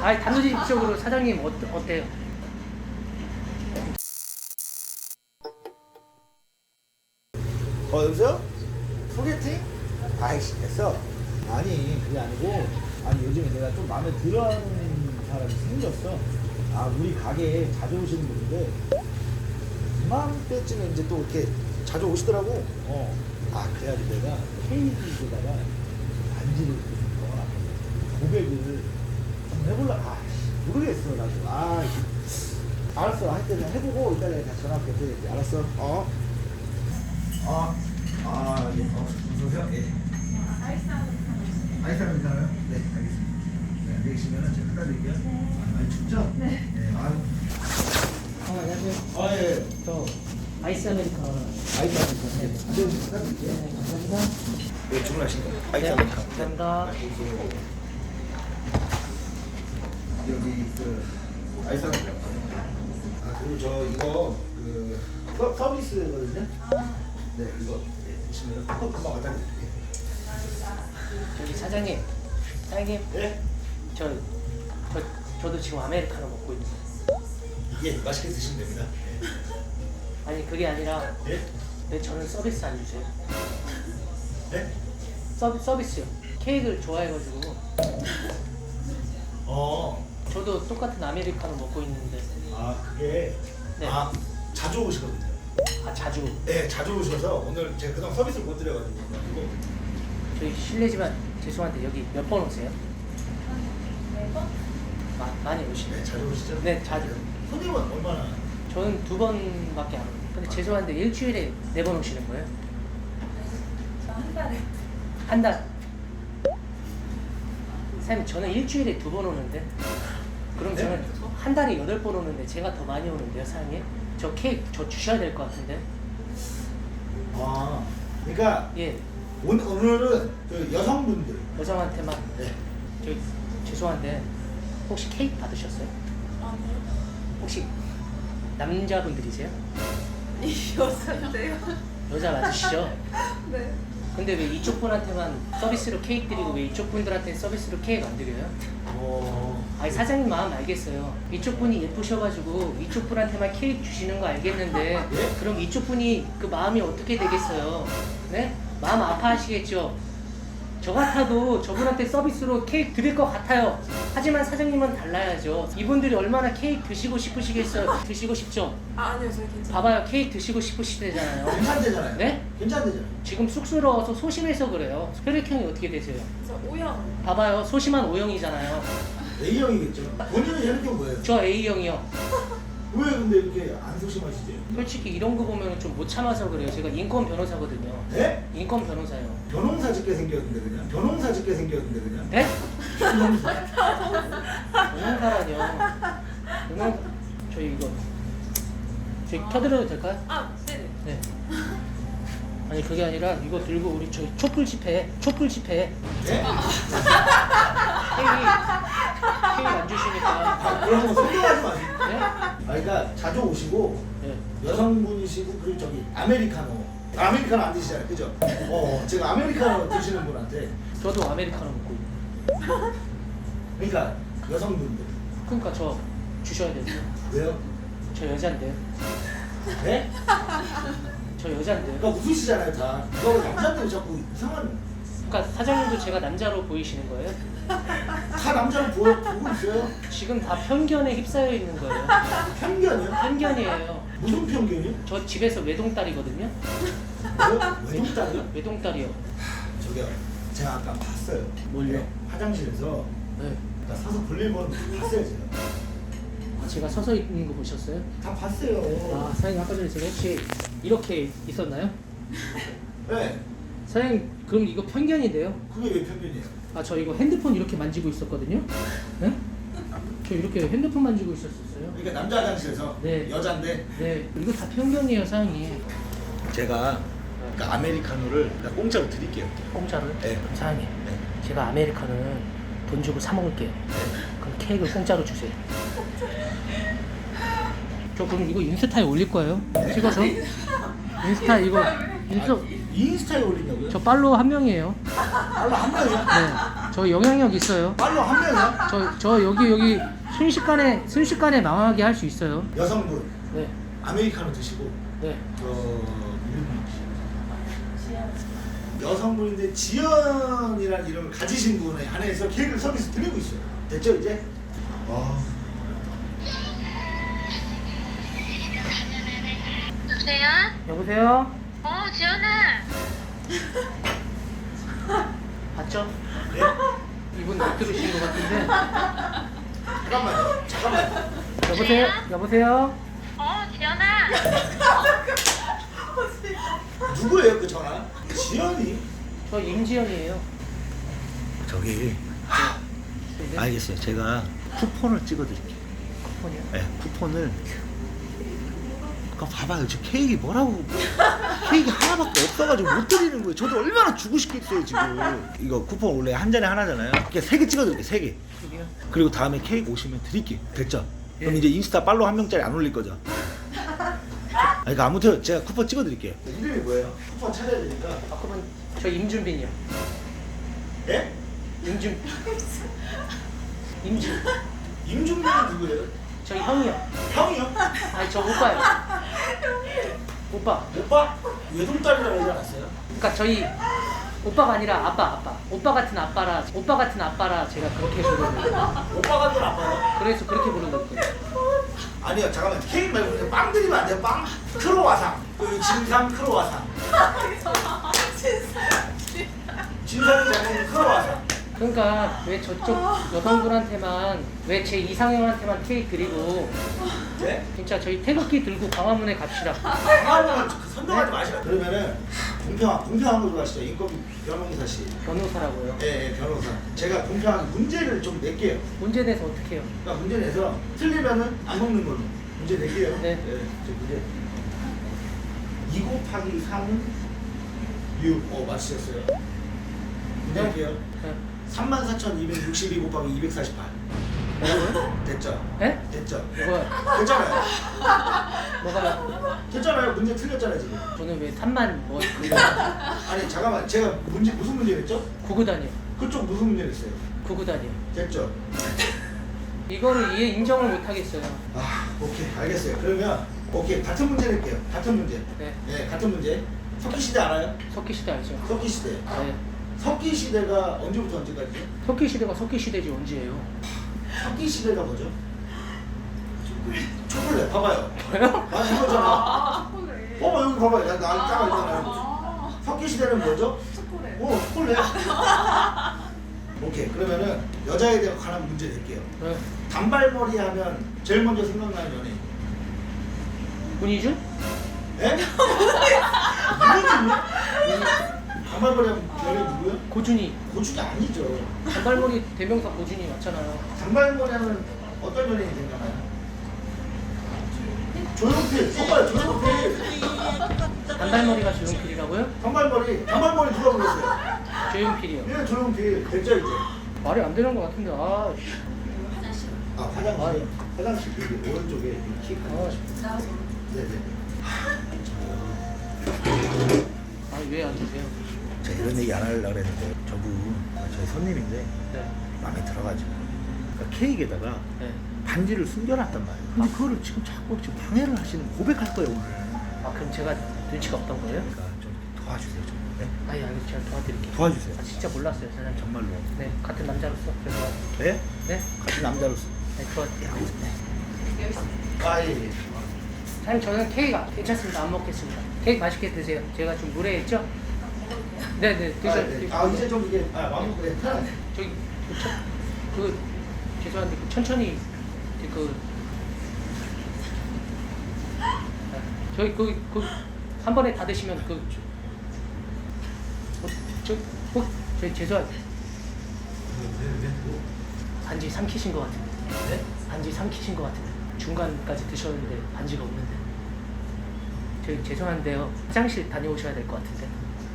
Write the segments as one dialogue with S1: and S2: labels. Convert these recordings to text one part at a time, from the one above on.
S1: 아니 단도직입적으로 사장님 어때요?
S2: 여보세요? 소개팅? 아이씨 됐어. 아니 그게 아니고, 아니 요즘에 내가 좀 마음에 들어하는 사람이 생겼어. 아 우리 가게에 자주 오시는 분인데 이맘때쯤에 이제 또 이렇게 자주 오시더라고. 아 그래가지고 내가 케이크에다가 반지를 좀 넣어놨거든. 고백을 좀 해볼라. 아 모르겠어 나도. 알았어. 하여튼 해보고 이따 내가 다시 전화할게. 또 알았어. 예. 무서우세요? 예. 아이스 아메리카노요? 네, 알겠습니다. 네, 안녕히 계시면은 제가 갖다 드릴게요. 많이 춥죠? 네.
S1: 안녕하세요.
S2: 예.
S1: 저 아이스 아메리카노.
S2: 아이스 아메리카노. 네, 안녕히 갖다 드릴게요.
S1: 네, 감사합니다.
S2: 네, 주문하신 거.
S1: 네, 감사합니다.
S2: 여기 아이스 아메리카노. 그리고 저 이거 서비스거든요. 네, 이거 보시면 금방 갖다 드릴게요.
S1: 저기 사장님.
S2: 네?
S1: 저도 지금 아메리카노 먹고 있는데.
S2: 이게 맛있게 드시면 됩니다.
S1: 아니 그게 아니라
S2: 네?
S1: 왜 저는 서비스 안 주세요?
S2: 네?
S1: 서비스요. 케이크를 좋아해가지고 저도 똑같은 아메리카노 먹고 있는데.
S2: 그게
S1: 네.
S2: 자주 오시거든요.
S1: 자주.
S2: 네, 자주 오셔서 오늘 제가 그동안 서비스를 못 드려가지고.
S1: 저희 실례지만 죄송한데 여기 몇 번 오세요? 많이 오시네.
S2: 네, 자주 오시죠?
S1: 네, 자주.
S2: 손님은 얼마나?
S1: 저는 2번밖에 안 오고. 근데 죄송한데 일주일에 4번 오시는 거예요?
S3: 한 달에.
S1: 한 달. 사장님 저는 일주일에 2번 오는데. 그럼 저는
S2: 네?
S1: 한 달에 8번 오는데 제가 더 많이 오는데요, 사장님? 저 케이크 저 주셔야 될 것 같은데.
S2: 그러니까
S1: 예,
S2: 오늘은 그 여성분들.
S1: 여성한테만.
S2: 네.
S1: 저기 죄송한데 혹시 케이크 받으셨어요?
S3: 아니요.
S1: 혹시 남자분들이세요?
S3: 이 여자인데요.
S1: 여자 맞으시죠?
S3: 네.
S1: 근데 왜 이쪽 분한테만 서비스로 케이크 드리고 왜 이쪽 분들한테 서비스로 케이크 안 드려요? 아니 사장님 마음 알겠어요. 이쪽 분이 예쁘셔가지고 이쪽 분한테만 케이크 주시는 거 알겠는데
S2: 예?
S1: 그럼 이쪽 분이 그 마음이 어떻게 되겠어요? 네? 마음 아파하시겠죠? 저 같아도 저분한테 서비스로 케이크 드릴 것 같아요. 하지만 사장님은 달라야죠. 이분들이 얼마나 케이크 드시고 싶으시겠어요? 드시고 싶죠?
S3: 아니요, 저희 괜찮아요.
S1: 봐봐요, 케이크 드시고 싶으시대잖아요.
S2: 괜찮대잖아요.
S1: 네?
S2: 괜찮대잖아요.
S1: 지금 쑥스러워서 소심해서 그래요. 혈액형이 어떻게 되세요?
S3: 저 O형.
S1: 봐봐요, 소심한 O형이잖아요.
S2: A형이겠죠. 본인은 혈액형 뭐예요?
S1: 저 A형이요.
S2: 왜 근데 이렇게 안 소심하시지?
S1: 솔직히 이런 거 보면 좀 못 참아서 그래요. 제가 인권 변호사거든요.
S2: 네?
S1: 인권 변호사요.
S2: 변홍사 짓게 생겼는데 그냥. 변홍사 짓게 생겼는데 그냥.
S1: 네?
S2: 변홍사.
S1: 변호사라뇨. 저희 이거 저희 켜드려도 될까요?
S3: 네네.
S1: 네. 아니 그게 아니라 이거 들고 우리 저희 촛불 집회.
S2: 네?
S1: 케이크 안 주시니까.
S2: 그런 거 소개하지 마세요.
S1: 네?
S2: 그러니까 자주 오시고
S1: 네.
S2: 여성분이시고 그리고 저기 아메리카노 안 드시잖아요, 그죠? 제가 아메리카노 드시는 분한테
S1: 저도 아메리카노 먹고 있는데.
S2: 그러니까 여성분들
S1: 그러니까 저 주셔야 돼요.
S2: 왜요?
S1: 저 여잔데요.
S2: 네?
S1: 저 여잔데요.
S2: 그러니까 웃으시잖아요, 다. 이거 남자들 자꾸 이상한
S1: 그러니까 사장님도 제가 남자로 보이시는 거예요?
S2: 다 남자를 보고 있어요.
S1: 지금 다 편견에 휩싸여 있는 거예요.
S2: 편견이요?
S1: 편견이에요.
S2: 무슨 편견이요?
S1: 저 집에서 외동딸이거든요.
S2: 외동딸이요?
S1: 외동딸이요.
S2: 저기요, 제가 아까 봤어요.
S1: 뭘요?
S2: 네, 화장실에서
S1: 네.
S2: 나 서서 볼일 보는 거 봤어요, 제가.
S1: 제가 서서 있는 거 보셨어요?
S2: 다 봤어요.
S1: 사장님 아까 전에 제가 혹시 이렇게 있었나요?
S2: 네,
S1: 사장님 그럼 이거 편견인데요?
S2: 그게 왜 편견이에요?
S1: 저 이거 핸드폰 이렇게 만지고 있었거든요? 네? 저 이렇게 핸드폰 만지고 있었어요.
S2: 그러니까 남자 화장실에서
S1: 네.
S2: 여잔데
S1: 네, 이거 다 편견이에요, 사장님.
S2: 제가 그러니까 아메리카노를 그냥 공짜로 드릴게요.
S1: 공짜로요?
S2: 네.
S1: 사장님,
S2: 네.
S1: 제가 아메리카노는 돈 주고 사 먹을게요. 그럼 케이크를 공짜로 주세요. 저 그럼 이거 인스타에 올릴 거예요. 찍어서. 인스타 이거
S2: 인스타에 올리냐고요?
S1: 저 팔로워 1명이에요.
S2: 알로 한 명이요?
S1: 네. 저 영향력 있어요.
S2: 팔로 한 명이야?
S1: 저 여기 순식간에 망하게 할 수 있어요.
S2: 여성분
S1: 네.
S2: 아메리카노 드시고
S1: 네.
S2: 여성분인데 지연이라는 이름을 가지신 분에 한해서 케이크를 서비스 드리고 있어요. 됐죠 이제?
S4: 여보세요?
S1: 여보세요?
S4: 지연아.
S1: 봤죠?
S2: 네?
S1: 이분 못 들으신 것 같은데.
S2: 잠깐만요.
S1: 여보세요? 여보세요?
S4: 지연아.
S2: 누구예요 그 전화? 지연이?
S1: 저 임지연이에요.
S2: 저기
S1: 네.
S2: 알겠어요. 제가 쿠폰을 찍어드릴게요.
S1: 쿠폰이요?
S2: 네, 쿠폰을. 그러니까 봐봐요. 저 케이크 뭐라고? 케이크 하나밖에 없어가지고 못 드리는 거예요. 저도 얼마나 주고 싶겠어요 지금. 이거 쿠폰 원래 한 잔에 하나잖아요. 이렇게 3개 찍어드릴게요. 3개.
S1: 여기요?
S2: 그리고 다음에 케이크 오시면 드릴게요. 됐죠? 그럼
S1: 예.
S2: 이제 인스타 팔로우 한 명짜리 안 올릴 거죠? 그러니까 아무튼 제가 쿠폰 찍어드릴게요. 이름이 뭐예요? 쿠폰 찾아야 되니까.
S1: 그러면 저 임준빈이요.
S2: 예? 임준빈은 누구예요?
S1: 저희 형이요.
S2: 형이요?
S1: 아니 저 오빠요. 오빠.
S2: 오빠? 외동딸이라고 하지 않았어요?
S1: 그러니까 저희 오빠가 아니라 아빠. 오빠 같은 아빠라 제가 그렇게 부르거든요.
S2: 오빠 같은 아빠요?
S1: 그래서 그렇게 부르거든요.
S2: 아니요 잠깐만 케이크 말고 그냥 빵 드리면 안 돼요? 빵? 크로와상 그 진상 크로와상 진상이 잘못된 크로와상.
S1: 그러니까 왜 저쪽 여성분한테만 왜 제 이상형한테만 케이크 드리고
S2: 네?
S1: 진짜 저희 태극기 들고 광화문에 갑시다.
S2: 방황은 선동하지 마시라. 그러면은 공평한 걸로 가시죠. 인건비 변호사 씨.
S1: 변호사라고요.
S2: 예, 변호사. 제가 공평하게 문제를 좀 낼게요.
S1: 문제 내서 어떻게 해요?
S2: 그러니까 문제 내서 틀리면은 안 먹는 걸로 문제 낼게요.
S1: 네.
S2: 저 문제 2 곱하기 3은 6. 맞추셨어요. 문제 할게요.
S1: 네.
S2: 34,262 곱하기 248.
S1: 뭐라고요?
S2: 됐죠?
S1: 네?
S2: 됐죠?
S1: 뭐가요?
S2: 됐잖아요.
S1: 뭐가요?
S2: 됐잖아요. 문제 틀렸잖아요 지금.
S1: 저는 왜 3만 뭐 그거
S2: 아니 잠깐만 제가 무슨 문제 냈죠?
S1: 구구단이요.
S2: 그쪽 무슨 문제 냈어요?
S1: 구구단이요.
S2: 됐죠?
S1: 이거를 이해인정을 못 하겠어요.
S2: 오케이 알겠어요. 그러면 오케이 같은 문제 낼게요. 같은 문제.
S1: 네.
S2: 네 같은 문제. 석기시대 알아요?
S1: 석기시대 알죠?
S2: 석기시대.
S1: 네.
S2: 석기시대가 언제부터 언제까지죠?
S1: 석기시대가 석기시대지 언제예요?
S2: 석기시대가 뭐죠? 초콜릿 봐봐요.
S1: 뭐요?
S2: 아 이거잖아.
S3: 초콜릿.
S2: 봐봐 여기 봐봐요. 나 따가 있잖아요. 석기시대는 뭐죠?
S3: 초콜릿.
S2: 초콜릿. 오케이 그러면은 여자에 대해 관한 문제 낼게요.
S1: 네.
S2: 단발머리 하면 제일 먼저 생각나는 연예인.
S1: 문희준?
S2: 예? 누구지? 단발머리 하면 연예인 누구요?
S1: 고준희.
S2: 고준이 아니죠.
S1: 단발머리 대명사 고준희 맞잖아요.
S2: 단발머리 하면 어떤 연예인이 생각나요? 조용필. 봐봐요 조용필.
S1: 단발머리가 조용필이라고요?
S2: 단발머리 누가 불렀어요?
S1: 조용필이요.
S2: 예 조용필. 됐죠 이제.
S1: 말이 안 되는 것 같은데. 아,
S2: 화장실. 화장실 여기 오른쪽에 키 큰. 네네.
S1: 왜 안 주세요?
S2: 제가 이런 얘기 안 하려고 했는데 저분 저희 손님인데
S1: 네.
S2: 마음에 들어가지고 그러니까 케이크에다가
S1: 네.
S2: 반지를 숨겨놨단 말이에요. 근데 그거를 지금 자꾸 지금 방해를 하시는 고백할 거예요 오늘.
S1: 그럼 제가 눈치가 없던 거예요?
S2: 그러니까 좀 도와주세요 좀. 네?
S1: 아니 제가 도와드릴게요.
S2: 도와주세요.
S1: 진짜 몰랐어요 사장님.
S2: 정말로.
S1: 네 같은 남자로서 그래서
S2: 네?
S1: 네?
S2: 같은 남자로서.
S1: 네 도와드릴게요.
S2: 예.
S1: 사장님 저는 케이크 괜찮습니다. 안 먹겠습니다. 케이크 맛있게 드세요. 제가 좀 무례했죠? 네네 드셔도
S2: 이제 좀 이게 마음 그래.
S1: 저기 죄송한데 천천히 저희 한 번에 다 드시면 저희 죄송한데 반지 삼키신 것 같은데.
S2: 네?
S1: 반지 삼키신 것 같은데. 중간까지 드셨는데 반지가 없는데. 저희 죄송한데요. 화장실 다녀오셔야 될 것 같은데.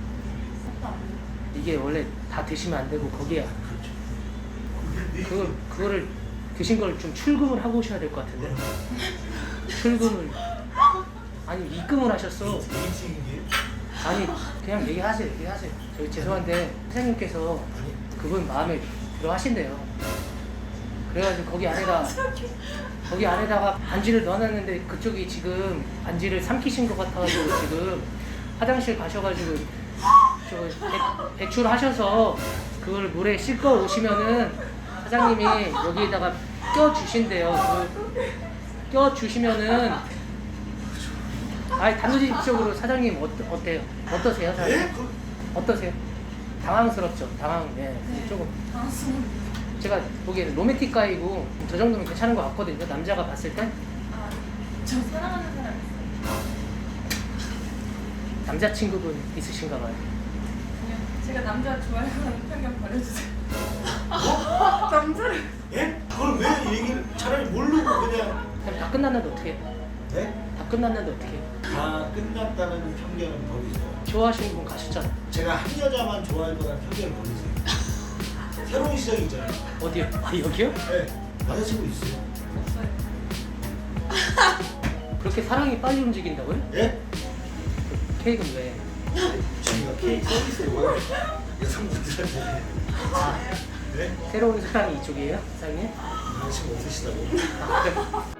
S1: 이게 원래 다 드시면 안 되고 거기에 그거를 드신 걸 좀 출금을 하고 오셔야 될 것 같은데. 출금을 아니 입금을 하셨어. 아니 그냥 얘기하세요. 저희 죄송한데 사장님께서 그분 마음에 들어 하신대요. 그래가지고 거기 안에다가 반지를 넣어놨는데 그쪽이 지금 반지를 삼키신 것 같아가지고 지금 화장실 가셔가지고 배출하셔서 그걸 물에 씻고 오시면은 사장님이 여기에다가 껴주신대요. 껴주시면은 단도직입적으로 사장님 어때요? 어떠세요? 사장님?
S2: 예?
S1: 어떠세요? 당황스럽죠? 네. 조금 제가 보기에는 로맨틱 가이고 저 정도면 괜찮은 것 같거든요. 남자가 봤을 때
S3: 저 사랑하는 사람 있어요.
S1: 남자친구분 있으신가 봐요.
S3: 그냥 제가 남자 좋아하는 편견 버려주세요. 남자를
S2: 예? 그걸 왜 얘기를 차라리 모르고 그냥
S1: 그럼 다 끝났는데 어떻게 해요?
S2: 네?
S1: 다 끝났는데 어떻게 해요?
S2: 다 끝났다는 편견은 버리세요.
S1: 좋아하시는 분 가셨잖아요.
S2: 제가 한 여자만 좋아할 거라는 편견을 버리세요. 새로운 시작이 있잖아요.
S1: 어디요? 여기요?
S2: 네. 남자친구 있어요.
S3: 없어요.
S1: 그렇게 사랑이 빨리 움직인다고요?
S2: 예?
S1: 케이크는 왜?
S2: 저희가 케이크 서비스로 여성분들한테
S1: 아,
S2: 네?
S1: 새로운 사랑이 이쪽이에요? 사장님?
S2: 남자친구 없으시다고.
S1: 아, 그래.